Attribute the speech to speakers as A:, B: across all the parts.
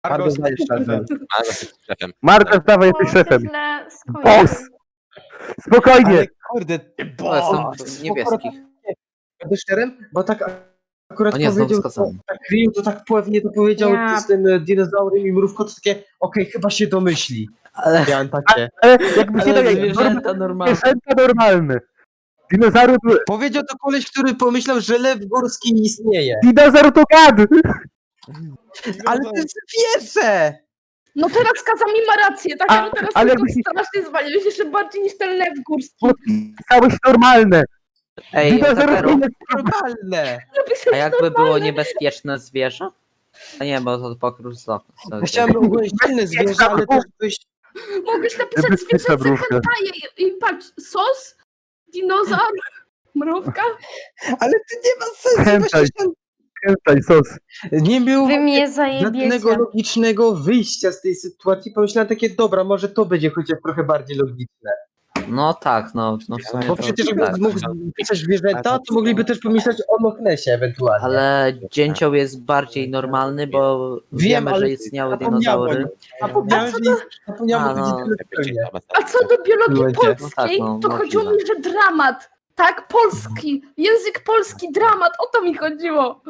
A: Margo zostaje szefem.
B: Margo jest szefem.
C: Margo, dawaj, jesteś szefem.
D: Źle
C: Boss! Spokojnie!
A: Ale kurde,
E: To jestem niebieski.
A: będę szczerym, bo tak akurat
E: O nie, znowu
A: powiedział,
E: skazany.
A: tak Ryu to tak płewnie to powiedział
D: Ja.
A: z tym dinozaurem i mrówką, to takie okej, chyba się domyśli.
E: Ale,
A: Miałem takie.
C: Ale jakby się
E: ale
C: tak
E: zwierzęta normalne.
C: zwierzęta normalne. Dinozaury to...
A: Powiedział to koleś, który pomyślał, że lew górski istnieje.
C: Dinozaur to gad!
A: Ale to jest zwierzę!
F: No teraz Kazami ma rację, tak?
C: A-
F: No teraz
C: ale
F: tylko
C: jakbyś-
F: strasznie zwaliłeś jeszcze bardziej niż ten lew górski.
C: Podpisałeś normalne.
E: Ej,
C: Dinozaur
E: Takeru,
C: to jest...
A: Normalne!
E: a jakby było niebezpieczne zwierzę? A nie, bo to pokrój z okna.
A: Ja chciałem ugłębić inne zwierzę, ale też byś...
F: Mogłeś napisać
C: Bezpieczna
F: zwierzęce
C: mrówka.
F: hentaje i patrz, sos, dinozaur, mrówka.
A: Ale to nie ma sensu,
C: Hentai.
A: właśnie
C: Hentai, sos.
A: nie było
D: Wy mnie
A: żadnego
D: zajebiecie.
A: logicznego wyjścia z tej sytuacji. Pomyślałem takie, dobra, może to będzie chociaż trochę bardziej logiczne.
E: No tak, no w sumie
A: Bo
E: to,
A: przecież jakby
E: tak.
A: mógł pisać zwierzęta, to mogliby też pomyśleć o Loch Nessie ewentualnie.
E: Ale dzięcioł jest bardziej normalny, bo wiemy,
A: ale
E: że istniały
A: zapomniałem.
E: dinozaury.
A: Zapomniałem, że zapomniałem
E: A,
A: o
E: no.
A: tej zupełnie.
F: A co do biologii
A: Ludzie.
F: polskiej,
E: No tak, no,
F: to chodziło
E: możliwe.
F: mi, że dramat. Tak, polski, język polski, dramat, o to mi chodziło.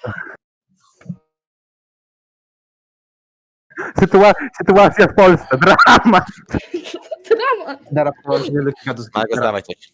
C: Sytuacja w Polsce. Dramat.
F: Dramat.
A: Dara, połączenie lekkiego do
B: Margo, zdawaj coś.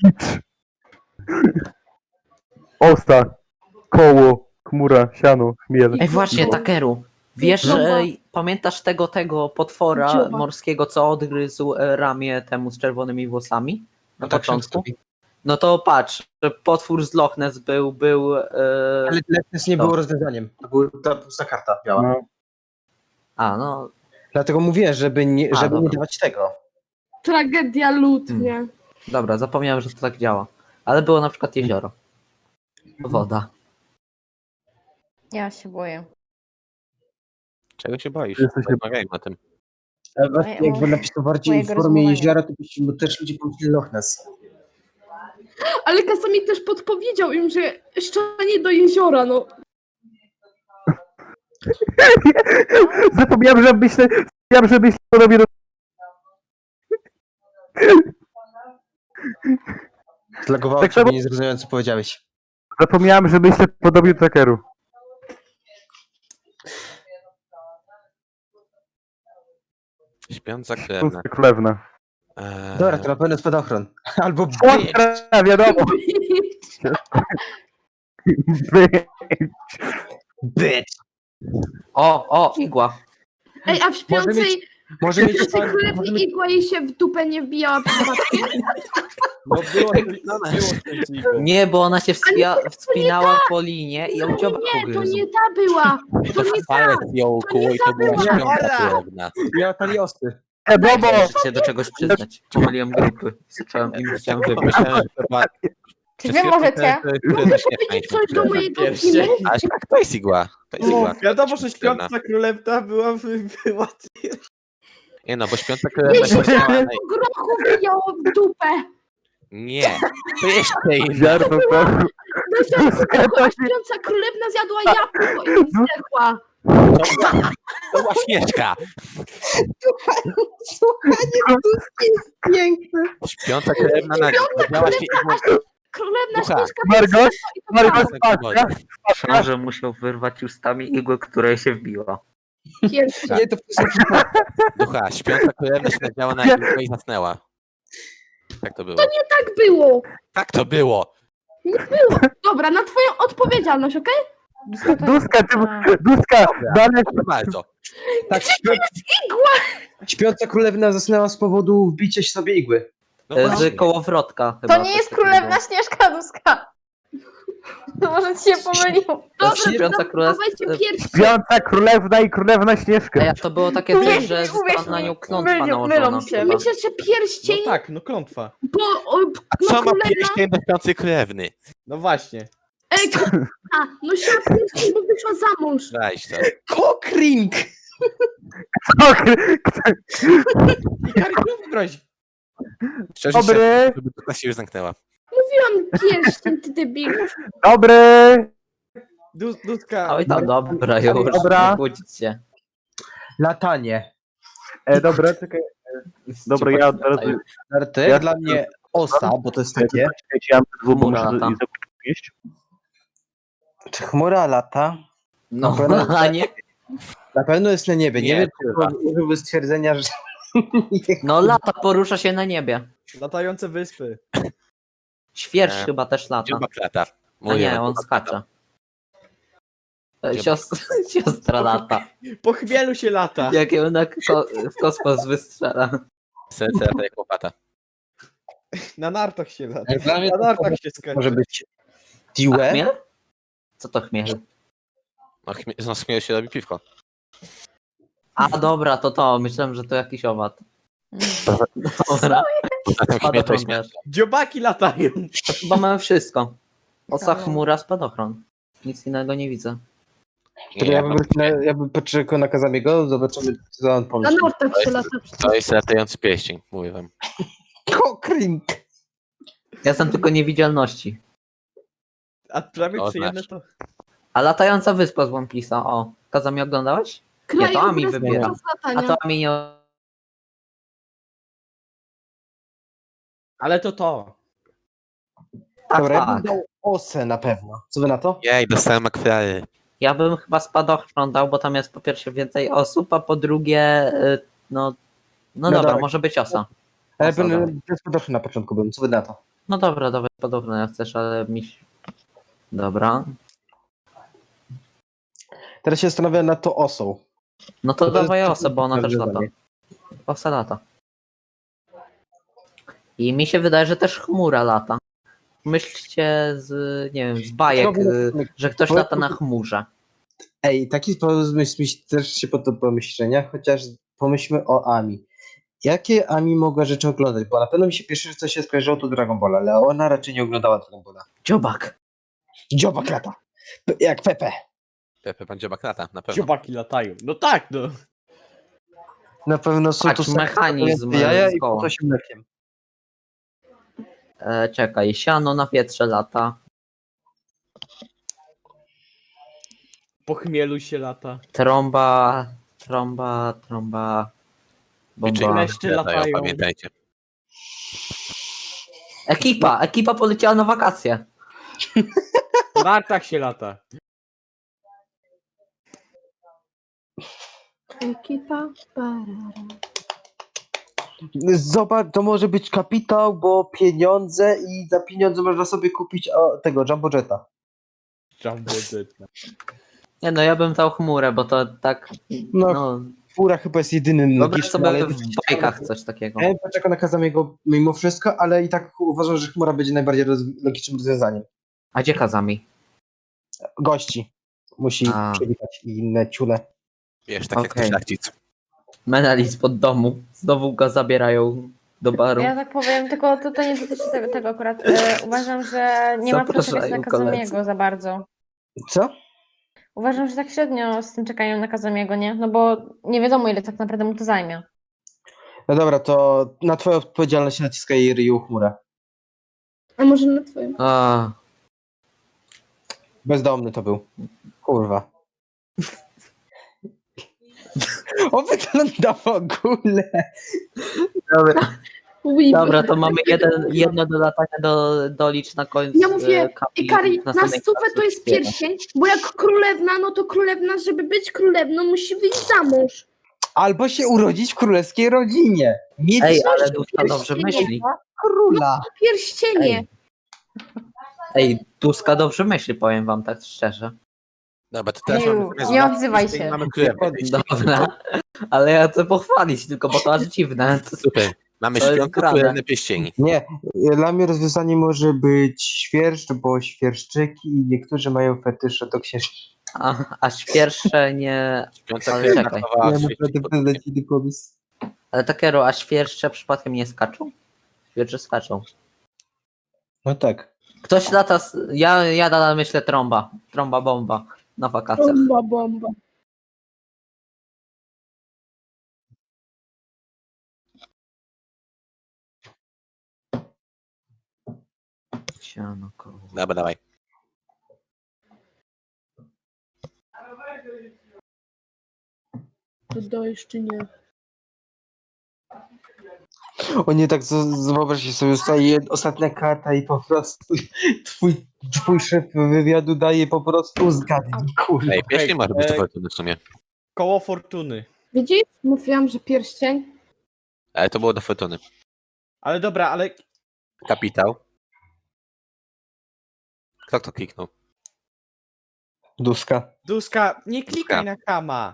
C: Osta. Koło. Chmura. Siano. Chmiel.
E: Ej, właśnie, Takeru. Wiesz,
F: No.
E: że pamiętasz tego potwora
F: Dzioba.
E: morskiego, co odgryzł ramię temu z czerwonymi włosami? Na
A: tak
E: początku? No to patrz, że potwór z Loch Ness był
A: Ale Loch Ness nie
E: To.
A: było rozwiązaniem. To była ta pusta karta biała.
C: No.
E: A, no,
A: Dlatego mówię, żeby nie
E: dobra.
A: dawać tego.
F: Tragedia lud, nie?
E: dobra, zapomniałem, że to tak działa. Ale było na przykład jezioro. Woda.
D: Ja się boję.
B: Czego się boisz?
C: Jesteś-
B: Rozmawiajmy o tym.
A: Ale właśnie
D: Moje-
A: jakby napisał bardziej w
D: mojego
A: formie
D: rozumowania.
A: jeziora, to byśmy też ludzie pomyśleli Loch Ness.
F: Ale Kazami też podpowiedział im, że szczanie do jeziora, no.
C: Zapomniałem, że myślę podobnie do...
A: Zlagowało
C: Tak
A: cię,
C: samo-
A: nie zrozumiałem, co powiedziałeś.
C: Zapomniałem, że myślę podobnie do Takeru.
B: Śpiąca krewna.
C: Pusta królewna.
A: Dobra, to na pewno spadochron. Albo
C: Ostra, wiadomo.
A: bitch.
E: O, igła.
F: Ej, a w śpiącej,
A: Może mieć
F: śpiącej królewni igła jej się w dupę nie wbijała przypadkiem?
G: No było coś
E: Nie, bo ona się wspinała po linie i ją dziobak
F: Nie, to
E: ugryzł.
F: nie ta była.
B: To
F: nie
B: palec ją kuło i to była
F: była.
B: śpiąca krewna.
A: miała taliosy.
C: Bobo!
E: Muszę się do czegoś przyznać. Pomyliłem grupy. Zacząłem im chciałem wybrać.
B: Myślałem, że to była...
D: Czy wy możecie?
F: Mogę powiedzieć coś do mojego
G: Pierścień.
F: filmu?
B: Ale tak, to jest igła. To jest igła.
G: Wiadomo, że śpiąca królewna była
B: Nie no, bo śpiąca krewna się działa
F: Grochu wbijało w dupę.
B: Nie, to jeszcze inna.
C: Ziarno to...
F: A śpiąca królewna zjadła jabłko i zdechła.
B: To była śnieżka.
A: Piękne.
B: Śpiąca krewna nadziała się igłą.
F: Królewna
B: Ducha.
F: śnieżka
C: Margo?
F: i to
C: Margo,
F: była
C: spacja.
E: Książę musiał wyrwać ustami igłę, której się wbiła.
F: pierwsza.
A: Nie, to
B: Ducha, śpiąca krewna się nadziała na igłę i zasnęła. Tak to było.
F: Tak było.
B: Tak to było.
F: Dobra, na twoją odpowiedzialność, okej?
C: Duska, Duska, dalej.
B: Proszę bardzo.
A: tak, śpiąca królewna zasnęła z powodu wbicia sobie igły.
B: No
E: Z
B: właśnie.
E: kołowrotka chyba.
D: To nie jest królewna Śnieżka Duska. To może ci się pomyliło.
E: To śpiąca królewna.
F: Dawajcie pierwszy.
C: Śpiąca królewna i królewna Śnieżka.
E: Ej, a to było takie
D: Uwierz
E: coś, że
D: mi,
E: została
D: uwierz
E: na
D: mi.
E: nią klątwa
D: Mylą
E: nałożona.
D: się.
E: chyba.
F: Myślę, że pierścień,
G: No tak, no klątwa.
F: bo
B: A
F: no
B: co ma
F: królewna...
B: pierścień do śpiącej krewny?
G: No właśnie.
F: Ej, no siła pierścień, bo wyszła za mąż.
B: Weź to.
A: Cockring!
G: I Karol wybrać.
B: Szczerze,
C: Dobry.
B: żeby to się już zamknęła.
F: Mówiłam pierścień, ty debil.
C: Dobry.
G: Duska.
E: Oj, no dobra, już
C: Dobra.
E: nie kłócić się.
A: Latanie.
C: Dobra, czekaj. Dobra, ja od razu...
A: Narty,
C: Ja-
A: dla mnie osa, bo to jest takie.
C: Czekajcie, ja mam dwu, bo muszę
E: Chmura lata.
C: jeść.
A: Czy chmura lata?
E: No,
A: pewno-
E: a nie.
A: Na pewno jest na niebie. Nie
B: Nie,
A: wiem,
B: kurwa.
A: czy użyłby stwierdzenia, że...
E: No lata, porusza się na niebie.
G: Latające wyspy.
E: Świerszcz
B: Nie.
E: chyba też lata.
B: Dziobak lata.
E: A nie, on skacze. Siostra lata.
G: Po chmielu się lata.
E: Jak ją w kosmos wystrzela.
B: Serce lata jak łopata.
G: Na nartach się lata.
A: Dla mnie
G: Na
A: to
G: nartach się skacze.
A: może być
E: A
A: Diwe.
E: chmiel? Co to chmiel?
B: No śmieje się robi piwko.
E: A dobra, to. Myślałem, że to jakiś owad. Dobra.
B: Zatem chmieje to jest
E: Spadochron też.
G: Dziobaki latają.
E: Chyba mamy wszystko. Osa, chmura, spadochron. Nic innego nie widzę.
A: Który ja bym poczekał na Kazamiego, zobaczymy, co on
F: Na
A: pomyśli.
F: nartach się lata.
B: To jest latający pieściń, mówię wam.
A: Kokring!
E: Ja jestem tylko niewidzialności.
G: A prawie
B: To
G: przyjemne
B: znaczy.
G: to...
E: A latająca wyspa z One Piece'a, o. Kazami oglądałeś? Nie, to Ami
F: Krajobraz
E: wybiera.
F: podczas
E: A
F: latania.
E: to Ami nie...
G: Ale to.
E: Tak,
A: Dobra, ja bym
E: tak.
A: dał osę na pewno. Co wy na to?
B: Jej, dostałem akwary.
E: Ja bym chyba spadochron dał, bo tam jest po pierwsze więcej osób, a po drugie, no dobra,
A: dobra.
E: może być osa.
A: Ale
E: Osa, dawaj.
A: bym spodoszy na początku bym. Co wy na to?
E: No dobra, podobno jak chcesz, ale Dobra.
A: Teraz się zastanawiam nad to osą.
E: No to
A: To jest
E: dawaj osę, bo ona też
A: rozwiązanie.
E: lata. Osa lata. I mi się wydaje, że też chmura lata. Myślcie nie wiem, z bajek, że ktoś lata na chmurze.
A: Ej, taki pomysł mi też się pod to pomyślenia, chociaż pomyślmy o Ami. Jakie Ami mogła rzeczy oglądać? Bo na pewno mi się pierwsze, co się skojarzyło, to Dragon Ball, ale ona raczej nie oglądała Dragon Balla.
E: Dziobak.
A: Dziobak lata. Jak Pepe.
B: Pepe pan dziobak lata, na pewno.
G: Dziobaki latają. No tak, no.
A: Na pewno są
E: Patrz,
A: tu
E: mechanizm
A: jaja
E: z
A: i
E: koła.
A: po to się mlekiem.
E: Czekaj, siano na wietrze lata.
G: Po chmielu się lata.
E: Trąba.
B: Liczy
E: Bomba.
G: Leszcze latają.
B: pamiętajcie.
E: Ekipa poleciała na wakacje.
G: Na nartach się lata.
F: Ekipa. Parara.
A: Zobacz, to może być kapitał, bo pieniądze i za pieniądze można sobie kupić tego Jumbo Jetta.
G: Jumbo Jet.
E: Nie no, ja bym dał chmurę, bo to tak,
A: No,
E: no,
A: Fura chyba jest jedynym
E: wyobraź
A: logicznym,
E: sobie
A: ale...
E: w bajkach coś takiego.
A: Ja bym poczekał na Kazamiego mimo wszystko, ale i tak uważam, że chmura będzie najbardziej logicznym rozwiązaniem.
E: A gdzie Kazami?
A: Gości musi
E: A.
A: przywitać i inne ciule.
B: Wiesz, tak jak
E: Okej.
B: to szlachcic.
E: Menelis pod domu. Znowu go zabierają do baru.
D: Ja tak powiem, tylko to nie dotyczy tego akurat. Uważam, że nie ma co czekać
E: Zapraszają
D: na
E: koledzy.
D: Kazamiego za bardzo.
A: Co?
D: Uważam, że tak średnio z tym czekają na Kazamiego, nie? No bo nie wiadomo, ile tak naprawdę mu to zajmie.
A: No dobra, to na twoją odpowiedzialność naciska jej Ryu chmurę.
F: A może na twoim?
E: A,
A: Bezdomny to był. Kurwa. On wygląda w ogóle.
E: dobra, to mamy jedno do latania do licz na końcu.
F: Ja mówię,
E: kapi-
F: Ikari,
E: w
F: na
E: następnej
F: stówę to
E: klasie
F: jest
E: śpiewa.
F: pierścień, bo jak królewna, no to królewna, żeby być królewną, musi wyjść za mąż.
A: Albo się urodzić w królewskiej rodzinie. Mieć
E: Ej,
A: coś
E: ale Duska dobrze myśli.
A: króla.
F: Pierścienie.
E: Ej, Duska dobrze myśli, powiem wam tak szczerze.
B: Dobra, to teraz
D: Nie,
B: mamy zamiast
D: nie
B: lat
D: odzywaj
B: pieścieni
D: się.
B: Mamy królewne pieścini.
E: Dobra, ale ja chcę pochwalić tylko, bo to aż dziwne.
B: Super. Mamy
E: To jest
B: śpiące
E: grane.
B: królewne pieścieni.
A: Nie, dla mnie rozwiązanie może być świerszcz, bo świerszczyki i niektórzy mają fetysze do księżniczki.
E: A świerszcze nie...
B: Śpiąca
E: Ale
B: królewna
E: czekaj.
B: chowała
A: Ja
B: w
A: naprawdę
B: świecie pod
A: wyleci pomysł.
E: Ale takiego, a świerszcze przypadkiem nie skaczą? Świerszcze skaczą.
A: No tak.
E: Ktoś lata... Ja nadal myślę trąba. Trąba bomba na wakacjach.
F: Bomba, bomba.
E: Siano, koło.
B: Dobra, dawaj.
F: Dodajesz czy nie?
A: O nie, tak wyobraźcie sobie, zostaje ostatnia karta i po prostu twój szef wywiadu daje po prostu zgadnij, kurwa.
B: Ej, pieśń może być to
G: Ej.
B: fortuny w sumie.
G: Koło fortuny.
F: Widzisz? Mówiłam, że pierścień.
B: Ale to było do fortuny.
G: Ale dobra, ale
B: Kapitał. Kto to kliknął?
A: Duska.
G: Duska, nie klikaj na kama.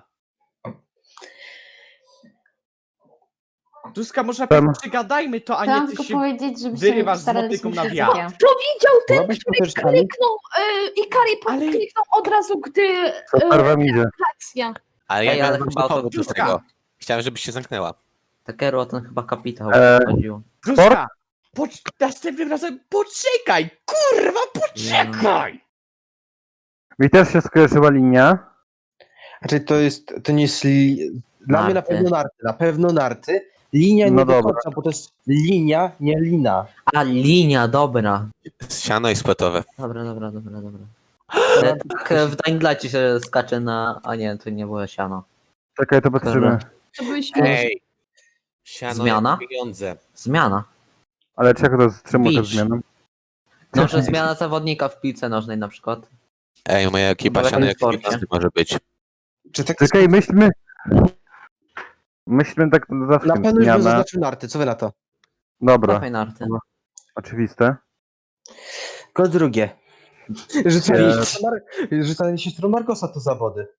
G: Duska, może
C: Tam.
G: przygadajmy to, a
D: Chciałam
G: nie ty
D: tylko
G: się...
D: powiedzieć, żeby
G: wyrywasz
D: się
G: z
D: staraliśmy
G: motyką na
D: się
G: wiatr.
D: takie.
F: Powiedział ten,
A: Mogłabyś
F: który
A: powtórzyć, Ami?
F: kliknął i Kari
G: Ale-
F: kliknął od razu, gdy
C: Super wam idzie.
F: akcja.
B: Ale ja
E: Ej,
B: miałem
E: ale
B: właśnie
E: chyba
B: powód do
G: Duska.
B: tego. Chciałem, żebyś się zamknęła.
E: Takeru o ten chyba kapitał chodziło.
G: Duska! Następnym razem poczekaj! Kurwa, poczekaj!
C: Mi też się skojarzyła linia.
A: Znaczy to nie jest... Dla mnie na
E: Narty.
A: pewno narty. Na pewno narty. Linia nie
C: No
A: do
C: dobra.
A: końca, bo to jest linia, nie lina.
E: A, linia, dobra.
B: Siano i sportowe.
E: Dobra. Tak w Dying Lightie się skacze na... A nie, to nie było siano.
C: Czekaj, to patrzymy.
F: To byś
B: Ej! Siano
E: Zmiana?
B: jak pieniądze.
E: Zmiana.
C: Ale czego to, czemu to
E: Beach.
C: zmiana?
E: No, że zmiana zawodnika w piłce nożnej na przykład.
B: Ej, moja ekipa
E: Dobra,
B: siano jak
E: sporcie.
B: pieniądze może być.
A: Czy tak
C: Czekaj, myślmy tak zawsze.
A: na pewno już bym
C: Zmiana.
A: zaznaczył narty, co wy na to?
C: Dobra,
E: Dawaj narty.
C: oczywiste.
A: Tylko drugie. Rzucanie się stron Margosa to zawody.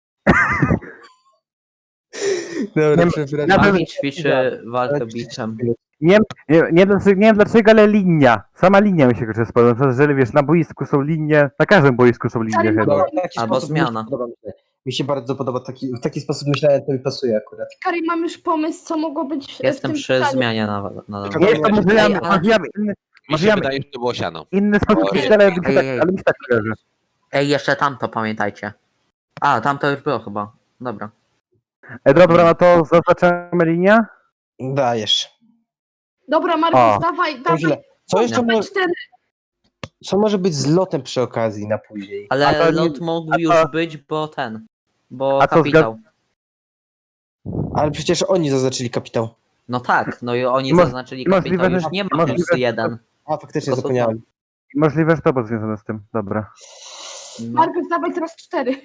A: Dobra,
C: Nie-
A: przepraszam.
C: Ja bym-
E: Mami ćwiczy walkę biczem.
C: Nie wiem dlaczego, ale linia. Sama linia mi się kojarzy z podobną. Że wiesz, na boisku są linie, na każdym boisku są linie chyba.
A: Dobra, w taki
E: Albo
A: sposób
E: zmiana.
A: Mi się bardzo podoba, w taki sposób myślałem, to mi pasuje akurat.
F: Kari, mam już pomysł, co mogło być
E: Jestem
F: w tym
E: przy
F: pytaniu.
E: zmianie na
C: Nie, to może ja,
E: Ej, ale-
C: może ja inny,
B: Mi
C: Może
B: się
C: ja-
B: wydaje, że to było siano.
C: inny sposób
B: Ej,
C: myślę, ale mi się
E: ej,
C: tak,
E: ej.
C: ale mi się tak kojarzy.
E: Ej, jeszcze tamto pamiętajcie. A, tamto już było chyba. Dobra.
C: Dobra, no to zaznaczamy linię.
A: Dajesz.
F: Dobra,
C: O.
F: Markus, dawaj,
A: To
F: dawaj.
A: źle.
F: Dawaj 4.
A: Co może być z lotem przy okazji na później?
E: Ale
C: A to nie-
E: lot mógł
C: a to-
E: już być, bo ten. Bo
C: A to
E: kapitał.
A: Ale przecież oni zaznaczyli kapitał.
E: No tak, no i oni
C: Mo-
E: zaznaczyli
C: możliwe,
E: kapitał.
C: że-
E: Już nie ma
C: możliwe,
E: plus
C: że-
E: 1.
A: A, faktycznie
E: To są
A: zapomniałem.
C: Możliwe, że to było związane z tym. Dobra.
E: No.
F: Markus, dawaj teraz 4.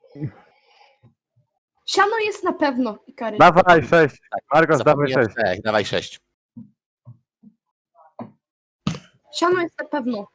F: Siano jest na pewno, Kari.
C: Dawaj 6. Margos, dawaj
B: Zapomniałem
C: 6.
B: 6. Dawaj 6.
F: Siano jest na pewno.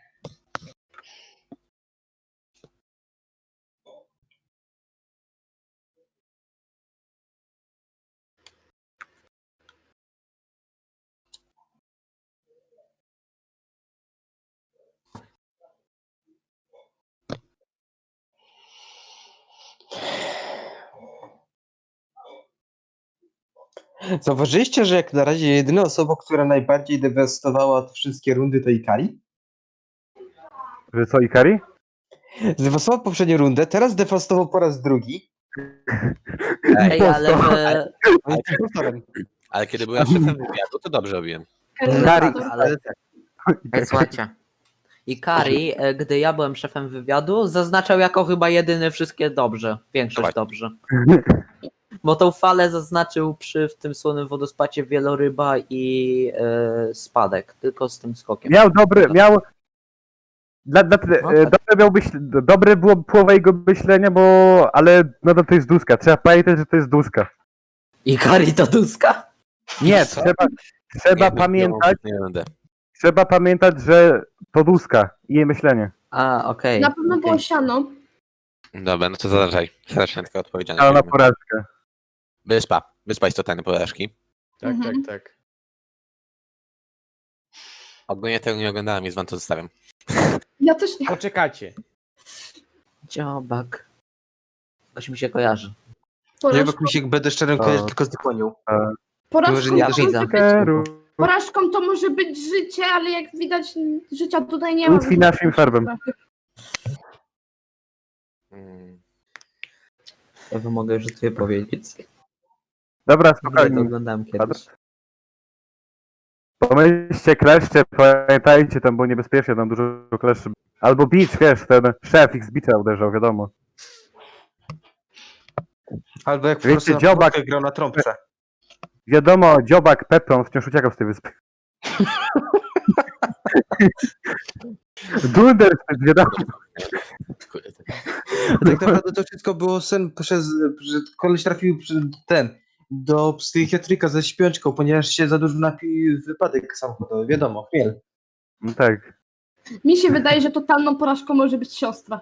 A: Zauważyliście, że jak na razie jedyna osoba, która najbardziej dewastowała te wszystkie rundy, to Ikari?
C: Że co, Ikari?
A: Zdewastował poprzednią rundę, teraz dewastował po raz drugi.
E: Ej, ale wy...
A: On jest impostorem.
B: Ale kiedy byłem szefem wywiadu, to dobrze robiłem.
C: Kari.
E: ale... Ej, słuchajcie. I Kari, gdy ja byłem szefem wywiadu, zaznaczał jako chyba jedyny wszystkie dobrze. Większość
B: Dawaj.
E: dobrze. Bo tą falę zaznaczył przy w tym słonym wodospadzie wieloryba i spadek. Tylko z tym skokiem.
C: Miał dobry, miał... Dobre było połowa jego myślenia, bo... Ale no to jest duska. Trzeba pamiętać, że to jest duska.
E: I Kari to duska?
C: Nie,
A: Co?
C: trzeba pamiętać,
B: Nie będę.
C: że to duska i jej myślenie.
E: A, okej.
F: Na pewno było
E: okej.
F: siano.
B: Dobra, no to zaznaczaj. Strasznie tylko odpowiedziane.
C: Ale na porażkę.
B: Wyspa. Wyspa jest totalny porażki.
G: Tak,
F: Mhm.
G: tak.
B: Ogólnie tego nie oglądałem, więc wam to zostawiam.
F: Ja też nie.
G: Poczekajcie.
E: Dziobak. Coś mi się kojarzy.
A: Ja bym Misiek będę szczerym, kojarzy tylko z dykonią. Może nie
E: Ja
A: dożyję.
E: widzę.
F: Porażką to może być życie, ale jak widać, życia tutaj nie ma.
C: Łatwiej naszym farbem.
B: Mm.
E: Ja wam mogę już sobie powiedzieć.
C: Dobra,
E: Ja to
C: spokojnie.
E: oglądałem kiedyś.
C: Pomyślcie kleszcze, pamiętajcie, tam było niebezpiecznie, tam dużo kleszy. Albo Beach, wiesz, ten szef ich z Beacha uderzał, wiadomo.
A: Albo jak po
C: Wiecie,
A: prostu na
C: dziobak-
A: początku grał na trąbce.
C: Wiadomo, dziobak Pepron wciąż uciekał z tej wyspy. Dunder, wiadomo.
B: Kurde.
A: Tak naprawdę to wszystko było sen że koleś trafił do psychiatryka ze śpiączką, ponieważ się za dużo napił wypadek samochodowy. Wiadomo, chmiel.
C: No tak.
F: Mi się wydaje, że totalną porażką może być siostra.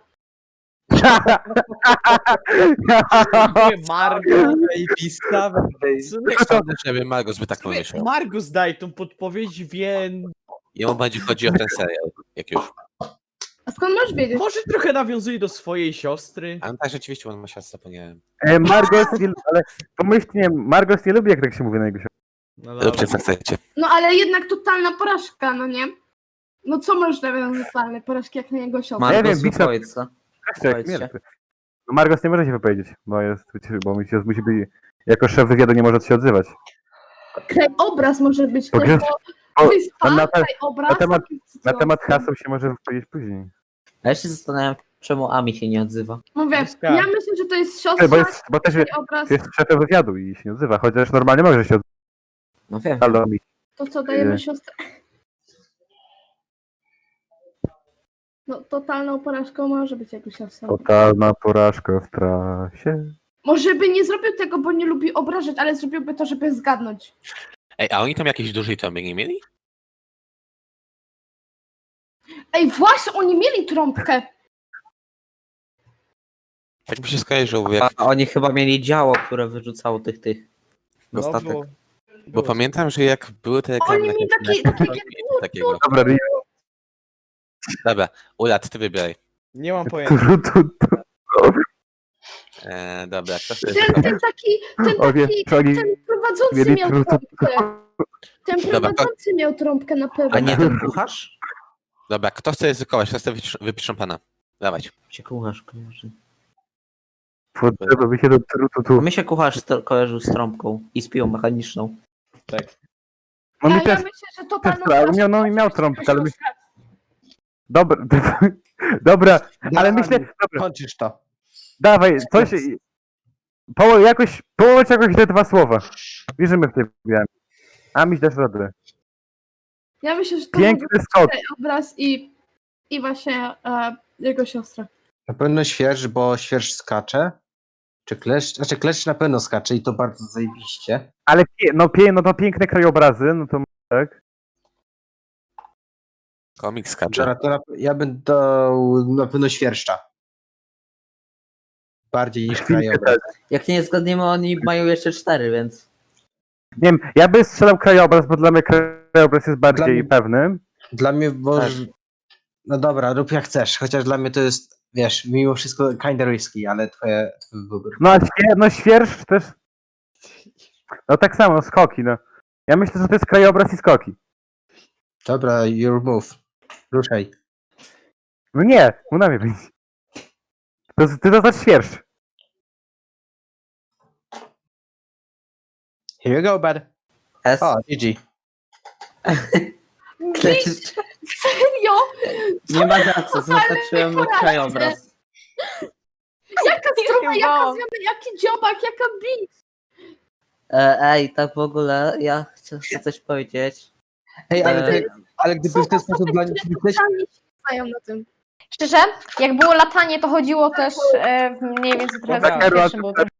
G: Margo,
A: Zajebista.
B: Sądzę, żeby Margus by tak pomyślał.
G: Margus daj tą podpowiedź, więc
B: Jemu będzie chodzi o ten serial, jak już.
F: A skąd możesz wiedzieć?
G: może trochę nawiązuje do swojej siostry.
B: A no tak, rzeczywiście, on ma siostrę, zapomniałem.
C: Margos, ale pomyślnie, Margos nie lubi, jak tak się mówi na jego siostrze.
G: No
B: Róbcie co chcecie.
F: No ale jednak totalna porażka, no nie? No co możesz nawiązać totalnej porażki jak na jego siostrę?
C: Nie wiem,
E: Margus,
C: Bishop-
E: wypowiedz, co?
C: Jeszcze jak
E: Powiedzcie.
C: śmierć. No Margos nie może się wypowiedzieć, bo musi być, jako szef wywiadu nie może się odzywać.
F: Krajobraz może być
C: Bo
F: tylko
C: o,
F: wyspa,
C: na te-
F: krajobraz.
C: na temat-
F: takie
C: Na
F: sytuacje.
C: temat haseł się może wypowiedzieć później.
E: A ja się zastanawiam, czemu Ami się nie odzywa.
F: Mówię,
G: Bliska.
F: ja myślę, że to jest siostra,
C: Bo też
F: krajobraz.
C: jest szefem wywiadu i się nie odzywa, chociaż normalnie może się
E: No wiem.
C: odzywać.
F: To co, dajemy
C: Nie.
F: siostrę? No totalną porażką może być jego siostra.
C: Totalna porażka w trasie.
F: Może by nie zrobił tego, bo nie lubi obrażać, ale zrobiłby to, żeby zgadnąć.
B: Ej, a oni tam jakieś dużej trąby nie mieli?
F: Ej, właśnie, oni mieli trąbkę.
B: Tak mi się skojarzyło, jak,
E: A oni chyba mieli działo, które wyrzucało tych.
G: No,
E: Dostatek.
B: bo pamiętam, że jak były te reklamy
F: Oni
B: na
F: mieli
B: tym-
F: taki
B: takiego.
C: Dobra, Rio.
B: Dobra, Ulat, ty wybieraj.
G: Nie mam pojęcia.
B: Dobra, kto chce
F: ten taki
C: O wie, czy oni
F: ten prowadzący
C: mieli
F: miał
C: trudno.
F: trąbkę. Ten
B: Dobra,
F: prowadzący miał trąbkę na pewno.
E: A nie ten kucharz?
B: Dobra, kto chce ryzykować? Kto chce wypiszą pana? Dawać.
E: Się kucharz kojarzy.
C: Potrzeba by się do tu.
E: Mi się kucharz kojarzył z trąbką i z piłą mechaniczną.
G: Tak.
C: No mi
F: Ja
C: też,
F: myślę, że totalną
C: ale
F: porażką
C: miał
F: może być
C: trąbkę,
F: jego
C: ale my...
F: siostra.
C: Dobra, dobra, ale myślę, dobra,
A: Kończysz to.
C: dawaj, coś, połącz jakoś te dwa słowa. Wierzymy w tej grze. A mi dasz radę.
F: Ja myślę, że to
C: Piękny skok.
F: obraz i właśnie jego siostra.
A: Na pewno świerszcz, bo świerszcz skacze. Czy kleszcz? Znaczy kleszcz na pewno skacze i to bardzo zajebiście.
C: Ale no to piękne krajobrazy, no to tak.
B: Komik skacze.
A: Dobra, to ja bym dał na pewno świerszcza. Bardziej niż krajobraz.
E: Jak nie zgadniemy, oni mają jeszcze 4, więc...
C: Nie wiem, ja bym strzelał krajobraz, bo dla mnie krajobraz jest bardziej
A: Dla mnie-
C: pewny.
A: Dla mnie, bo...
B: Tak.
A: No dobra, rób jak chcesz, chociaż dla mnie to jest, wiesz, mimo wszystko kinda risky, ale twój wybór.
C: No a świerszcz też. No tak samo, skoki, no. Ja myślę, że to jest krajobraz i skoki.
A: Dobra, your move. Ruszaj.
C: No nie, na mnie być. Ty to znasz świerszcz.
A: Here you go, bud.
E: S.
A: O, GG.
F: Serio?
E: Nie ma za co, zaznaczyłem
F: porażce.
E: krajobraz.
F: Jaka strona, jaka
D: Wow.
F: zmiana, jaki dziobak, jaka beat.
E: Ej, tak w ogóle, ja chcę coś powiedzieć.
A: Ej,
E: Eee,
A: ale gdyby w ten sposób dla nich myśleć,
F: Totalnie się znają na tym.
D: Szczerze, jak było latanie, to chodziło też mniej więcej trochę
G: Dobra.
D: za pierwszym, bo to